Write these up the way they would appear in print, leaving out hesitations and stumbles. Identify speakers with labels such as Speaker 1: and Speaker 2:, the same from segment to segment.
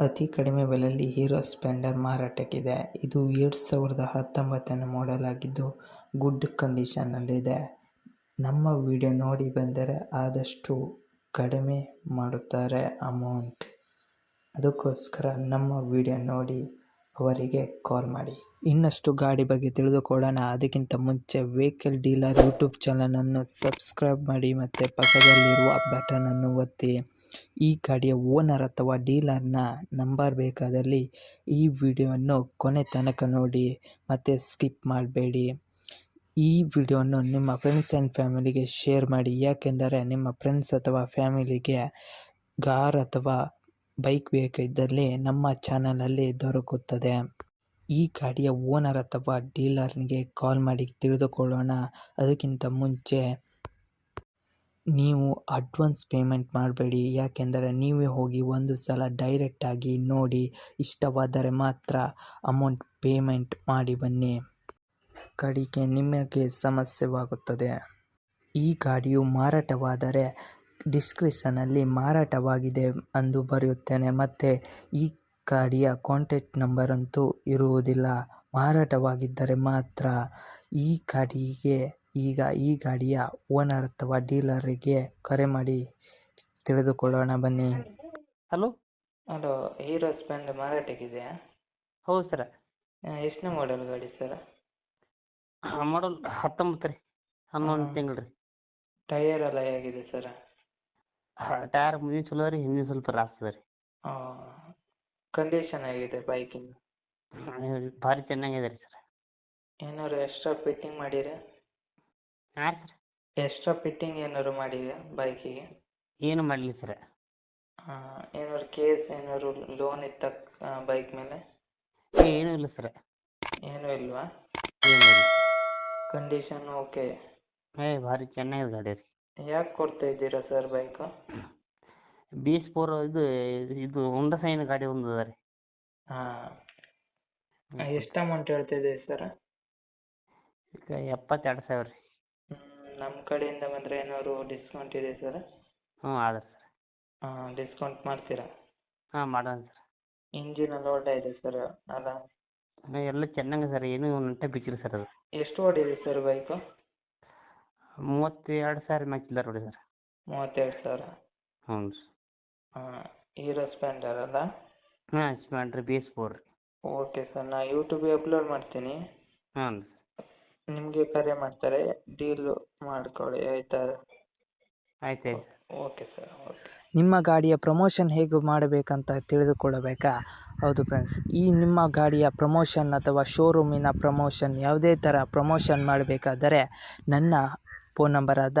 Speaker 1: ಅತಿ ಕಡಿಮೆ ಬೆಲೆಯಲ್ಲಿ ಹೀರೋ ಸ್ಪ್ಲೆಂಡರ್ ಮಾರಾಟಕ್ಕಿದೆ. ಇದು 2019ನೇ ಮಾಡೆಲ್ ಆಗಿದ್ದು ಗುಡ್ ಕಂಡೀಷನ್ನಲ್ಲಿದೆ. ನಮ್ಮ ವಿಡಿಯೋ ನೋಡಿ ಬಂದರೆ ಆದಷ್ಟು ಕಡಿಮೆ ಮಾಡುತ್ತಾರೆ ಅಮೌಂಟ್. ಅದಕ್ಕೋಸ್ಕರ ನಮ್ಮ ವಿಡಿಯೋ ನೋಡಿ ಅವರಿಗೆ ಕಾಲ್ ಮಾಡಿ. ಇನ್ನಷ್ಟು ಗಾಡಿ ಬಗ್ಗೆ ತಿಳಿದುಕೊಳ್ಳೋಣ. ಅದಕ್ಕಿಂತ ಮುಂಚೆ ವೆಹಿಕಲ್ ಡೀಲರ್ ಯೂಟ್ಯೂಬ್ ಚಾನಲನ್ನು ಸಬ್ಸ್ಕ್ರೈಬ್ ಮಾಡಿ ಮತ್ತು ಪಕ್ಕದಲ್ಲಿರುವ ಬಟನನ್ನು ಒತ್ತಿ. ಈ ಗಾಡಿಯ ಓನರ್ ಅಥವಾ ಡೀಲರ್ನ ನಂಬರ್ ಬೇಕಾದಲ್ಲಿ ಈ ವಿಡಿಯೋವನ್ನು ಕೊನೆ ತನಕ ನೋಡಿ ಮತ್ತು ಸ್ಕಿಪ್ ಮಾಡಬೇಡಿ. ಈ ವಿಡಿಯೋವನ್ನು ನಿಮ್ಮ ಫ್ರೆಂಡ್ಸ್ ಆ್ಯಂಡ್ ಫ್ಯಾಮಿಲಿಗೆ ಶೇರ್ ಮಾಡಿ. ಯಾಕೆಂದರೆ ನಿಮ್ಮ ಫ್ರೆಂಡ್ಸ್ ಅಥವಾ ಫ್ಯಾಮಿಲಿಗೆ ಕಾರ್ ಅಥವಾ ಬೈಕ್ ಬೇಕಿದ್ದಲ್ಲಿ ನಮ್ಮ ಚಾನಲಲ್ಲಿ ದೊರಕುತ್ತದೆ. ಈ ಗಾಡಿಯ ಓನರ್ ಅಥವಾ ಡೀಲರ್ಗೆ ಕಾಲ್ ಮಾಡಿ ತಿಳಿದುಕೊಳ್ಳೋಣ. ಅದಕ್ಕಿಂತ ಮುಂಚೆ ನೀವು ಅಡ್ವಾನ್ಸ್ ಪೇಮೆಂಟ್ ಮಾಡಬೇಡಿ. ಯಾಕೆಂದರೆ ನೀವೇ ಹೋಗಿ ಒಂದು ಸಲ ಡೈರೆಕ್ಟಾಗಿ ನೋಡಿ ಇಷ್ಟವಾದರೆ ಮಾತ್ರ ಅಮೌಂಟ್ ಪೇಮೆಂಟ್ ಮಾಡಿ ಬನ್ನಿ. ಕಡೆಗೆ ನಿಮಗೆ ಸಮಸ್ಯೆವಾಗುತ್ತದೆ. ಈ ಗಾಡಿಯು ಮಾರಾಟವಾದರೆ ಡಿಸ್ಕ್ರಿಪ್ಷನಲ್ಲಿ ಮಾರಾಟವಾಗಿದೆ ಎಂದು ಬರೆಯುತ್ತೇನೆ ಮತ್ತು ಈ ಗಾಡಿಯ ಕಾಂಟ್ಯಾಕ್ಟ್ ನಂಬರ್ ಅಂತೂ ಇರುವುದಿಲ್ಲ. ಮಾರಾಟವಾಗಿದ್ದರೆ ಮಾತ್ರ ಈ ಗಾಡಿಯ ಓನರ್ ಅಥವಾ ಡೀಲರಿಗೆ ಕರೆ ಮಾಡಿ ತಿಳಿದುಕೊಳ್ಳೋಣ ಬನ್ನಿ.
Speaker 2: ಹಲೋ
Speaker 1: ಹೀರೋ ಸ್ಪ್ಲೆಂಡರ್ ಮಾರಾಟಕ್ಕಿದೆಯಾ?
Speaker 2: ಹೌದು ಸರ.
Speaker 1: ಎಷ್ಟನೇ ಮಾಡೆಲ್ ಗಾಡಿ ಸರ್?
Speaker 2: ಮಾಡಲ್ 19 ರೀ, 11 ತಿಂಗಳು ರೀ.
Speaker 1: ಟೈಯರ್ ಎಲ್ಲ ಹೇಗಿದೆ ಸರ್?
Speaker 2: ಟೈರ್ ಮುಂದಿನ ಚಲೋ ರೀ, ಹಿಂದಿನ ಸ್ವಲ್ಪ ರಾಸ್ತದ ರೀ.
Speaker 1: ಕಂಡೀಷನ್ ಹೇಗಿದೆ ಬೈಕಿಂದು?
Speaker 2: ಭಾರಿ ಚೆನ್ನಾಗಿದೆ ರೀ ಸರ್.
Speaker 1: ಏನಾದ್ರು ಎಕ್ಸ್ಟ್ರಾ ಫಿಟ್ಟಿಂಗ್ ಮಾಡಿರಿ?
Speaker 2: ಹಾಂ ಸರ್.
Speaker 1: ಎಕ್ಸ್ಟ್ರಾ ಫಿಟ್ಟಿಂಗ್ ಏನಾದ್ರು ಮಾಡಿರಿ ಬೈಕಿಗೆ?
Speaker 2: ಏನು ಮಾಡಲಿ ಸರ್.
Speaker 1: ಏನಾದ್ರು ಕೇಸ್ ಏನಾದ್ರು ಲೋನ್ ಇತ್ತ ಬೈಕ್ ಮೇಲೆ?
Speaker 2: ಏನೂ ಇಲ್ಲ ಸರ್.
Speaker 1: ಏನೂ ಇಲ್ವಾ?
Speaker 2: ಏನೂ ಇಲ್ಲ.
Speaker 1: Condition okay?
Speaker 2: ಭಾರಿ ಚೆನ್ನಾಗಿದೆ ಗಾಡಿ ರೀ.
Speaker 1: ಯಾಕೆ ಕೊಡ್ತಾ ಇದ್ದೀರಾ ಸರ್ ಬೈಕು?
Speaker 2: BS4 ಇದು ಹೋಂಡಾ ಸೈನ್ ಗಾಡಿ ಒಂದು ಅದ ರೀ.
Speaker 1: ಎಷ್ಟು ಅಮೌಂಟ್ ಹೇಳ್ತಿದ್ದೀರಿ ಸರ್?
Speaker 2: ಈಗ 72,000 ರೀ.
Speaker 1: ನಮ್ಮ ಕಡೆಯಿಂದ ಬಂದರೆ ಏನಾದ್ರು ಡಿಸ್ಕೌಂಟ್ ಇದೆ ಸರ್?
Speaker 2: ಅದ ಸರ್.
Speaker 1: ಡಿಸ್ಕೌಂಟ್ ಮಾಡ್ತೀರಾ?
Speaker 2: ಮಾಡೋಣ ಸರ್.
Speaker 1: ಇಂಜಿನ್ ಎಲ್ಲ ಒಳ್ಳೆ ಇದೆ ಸರ್ ಅಲ್ಲ?
Speaker 2: ಎಲ್ಲ ಚೆನ್ನಾಗಿದೆ ಸರ್, ಏನೂ ನಂಟೆ ಬಿಚ್ಚಿಲ್ಲ ಸರ್ ಅದು.
Speaker 1: ಎಷ್ಟು ಓಡಿದೆ ಸರ್ ಬೈಕು?
Speaker 2: 32,000 ಮ್ಯಾಚ್ ಇಲ್ಲ ನೋಡಿ ಸರ್.
Speaker 1: 32,000?
Speaker 2: ಹ್ಞೂ ರೀ.
Speaker 1: ಹೀರೋ ಸ್ಪ್ಲೆಂಡರ್ ಅಲ್ಲ?
Speaker 2: ಸ್ಪ್ಲೆಂಡರ್ BS4 ರೀ.
Speaker 1: ಓಕೆ ಸರ್, ನಾನು ಯೂಟ್ಯೂಬಿಗೆ ಅಪ್ಲೋಡ್ ಮಾಡ್ತೀನಿ.
Speaker 2: ಹ್ಞೂ ರೀ.
Speaker 1: ನಿಮಗೆ ಕರೆ ಮಾಡ್ತಾರೆ, ಡೀಲು ಮಾಡ್ಕೊಳ್ಳಿ ಆಯಿತಾ?
Speaker 2: ಆಯ್ತು.
Speaker 1: Okay sir, okay. ನಿಮ್ಮ ಗಾಡಿಯ ಪ್ರಮೋಷನ್ ಹೇಗೆ ಮಾಡಬೇಕಂತ ತಿಳಿದುಕೊಳ್ಳಬೇಕಾ? ಹೌದು ಫ್ರೆಂಡ್ಸ್, ಈ ನಿಮ್ಮ ಗಾಡಿಯ ಪ್ರಮೋಷನ್ ಅಥವಾ ಶೋರೂಮಿನ ಪ್ರಮೋಷನ್ ಯಾವುದೇ ಥರ ಪ್ರಮೋಷನ್ ಮಾಡಬೇಕಾದರೆ ನನ್ನ ಫೋನ್ ನಂಬರಾದ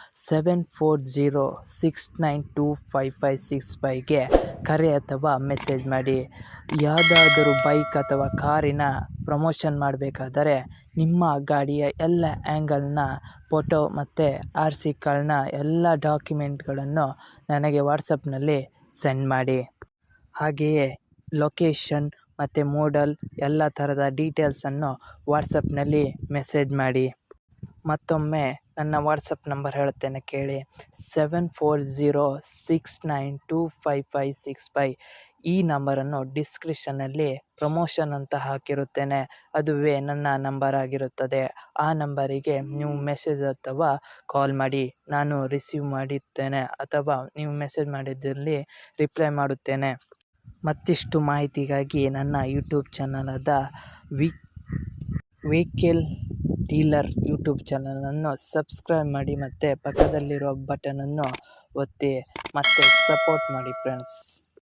Speaker 1: 7406925565ಗೆ ಕರೆ ಅಥವಾ ಮೆಸೇಜ್ ಮಾಡಿ. ಯಾವುದಾದರೂ ಬೈಕ್ ಅಥವಾ ಕಾರಿನ ಪ್ರಮೋಷನ್ ಮಾಡಬೇಕಾದರೆ ನಿಮ್ಮ ಗಾಡಿಯ ಎಲ್ಲ ಆ್ಯಂಗಲ್ನ ಫೋಟೋ ಮತ್ತು RC ಕಾರ್ಡ್ನ ಎಲ್ಲ ಡಾಕ್ಯುಮೆಂಟ್ಗಳನ್ನು ನನಗೆ ವಾಟ್ಸಪ್ನಲ್ಲಿ ಸೆಂಡ್ ಮಾಡಿ. ಹಾಗೆಯೇ ಲೊಕೇಶನ್ ಮತ್ತು ಮೋಡಲ್ ಎಲ್ಲ ಥರದ ಡೀಟೇಲ್ಸನ್ನು ವಾಟ್ಸಪ್ನಲ್ಲಿ ಮೆಸೇಜ್ ಮಾಡಿ. ಮತ್ತೊಮ್ಮೆ ನನ್ನ ವಾಟ್ಸಪ್ ನಂಬರ್ ಹೇಳುತ್ತೇನೆ ಕೇಳಿ, 7406925565. ಈ ನಂಬರನ್ನು ಡಿಸ್ಕ್ರಿಪ್ಷನ್ನಲ್ಲಿ ಪ್ರಮೋಷನ್ ಅಂತ ಹಾಕಿರುತ್ತೇನೆ. ಅದುವೇ ನನ್ನ ನಂಬರ್ ಆಗಿರುತ್ತದೆ. ಆ ನಂಬರಿಗೆ ನೀವು ಮೆಸೇಜ್ ಅಥವಾ ಕಾಲ್ ಮಾಡಿ, ನಾನು ರಿಸೀವ್ ಮಾಡುತ್ತೇನೆ ಅಥವಾ ನೀವು ಮೆಸೇಜ್ ಮಾಡಿದ್ದಲ್ಲಿ ರಿಪ್ಲೈ ಮಾಡುತ್ತೇನೆ. ಮತ್ತಿಷ್ಟು ಮಾಹಿತಿಗಾಗಿ ನನ್ನ ಯೂಟ್ಯೂಬ್ ಚಾನಲಾದ ವೆಹಿಕಲ್ ಡೀಲರ್ ಯೂಟ್ಯೂಬ್ ಚಾನಲನ್ನು ಸಬ್ಸ್ಕ್ರೈಬ್ ಮಾಡಿ ಮತ್ತು ಪಕ್ಕದಲ್ಲಿರುವ ಬಟನನ್ನು ಒತ್ತಿ ಮತ್ತು ಸಪೋರ್ಟ್ ಮಾಡಿ ಫ್ರೆಂಡ್ಸ್.